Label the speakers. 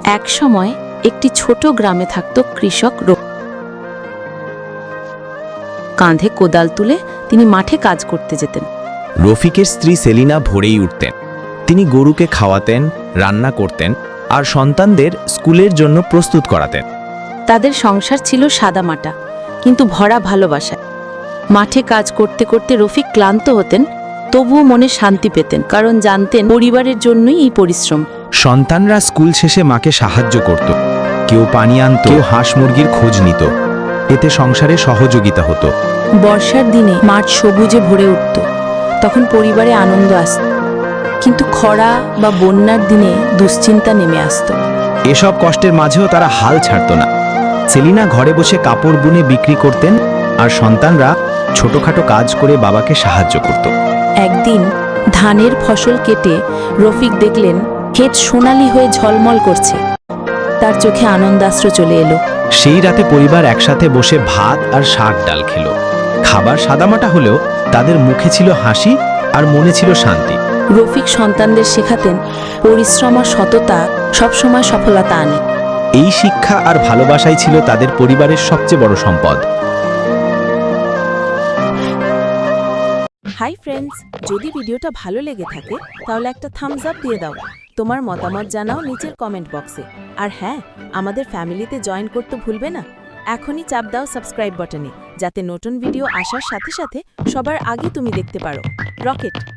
Speaker 1: একসময় একটি ছোট গ্রামে থাকত কৃষক কাঁধে কোদাল তুলে তিনি মাঠে কাজ করতে যেতেন।
Speaker 2: রফিকের স্ত্রী সেলিনা ভোরেই উঠতেন। তিনি গরুকে খাওয়াতেন, রান্না করতেন আর সন্তানদের স্কুলের জন্য প্রস্তুত করাতেন।
Speaker 1: তাদের সংসার ছিল সাদামাটা কিন্তু ভরা ভালোবাসায়। মাঠে কাজ করতে করতে রফিক ক্লান্ত হতেন, তবুও মনে শান্তি পেতেন, কারণ জানতেন পরিবারের জন্যই এই পরিশ্রম।
Speaker 2: সন্তানরা স্কুল শেষে মাকে সাহায্য করত, কেউ পানি আনত, কেউ হাঁস মুরগির খোঁজ নিত। এতে সংসারে সহযোগিতা হতো।
Speaker 1: বর্ষার দিনে মাঠ সবুজে ভরে উঠত, তখন পরিবারে আনন্দ আসত। কিন্তু খরা বা বন্যার দিনে দুশ্চিন্তা নেমে আসত।
Speaker 2: এসব কষ্টের মাঝেও তারা হাল ছাড়ত না। সেলিনা ঘরে বসে কাপড় বুনে বিক্রি করতেন আর সন্তানরা ছোটখাটো কাজ করে বাবাকে সাহায্য করত।
Speaker 1: একদিন ধানের ফসল কেটে রফিক দেখলেন ক্ষেত সোনালি হয়ে ঝলমল করছে। তার চোখে আনন্দাশ্রু চলে এলো।
Speaker 2: সেই রাতে পরিবার একসাথে বসে ভাত আর শাক ডাল খেল। খাবার সাদামাটা হলেও তাদের মুখে ছিল হাসি আর মনে ছিল শান্তি।
Speaker 1: রফিক সন্তানদের শেখাতেন পরিশ্রম আর সততা সবসময় সফলতা আনে।
Speaker 2: এই শিক্ষা আর ভালোবাসাই ছিল তাদের পরিবারের সবচেয়ে বড় সম্পদ।
Speaker 1: হাই ফ্রেন্ডস, যদি ভিডিওটা ভালো লেগে থাকে তাহলে একটা থামস আপ দিয়ে দাও। তোমার মতামত জানাও নিচের কমেন্ট বক্সে। আর হ্যাঁ, আমাদের ফ্যামিলিতে জয়েন করতে ভুলবে না। এখনই চাপ দাও সাবস্ক্রাইব বাটনে, যাতে নতুন ভিডিও আসার সাথে সাথে সবার আগে তুমি দেখতে পারো। রকেট।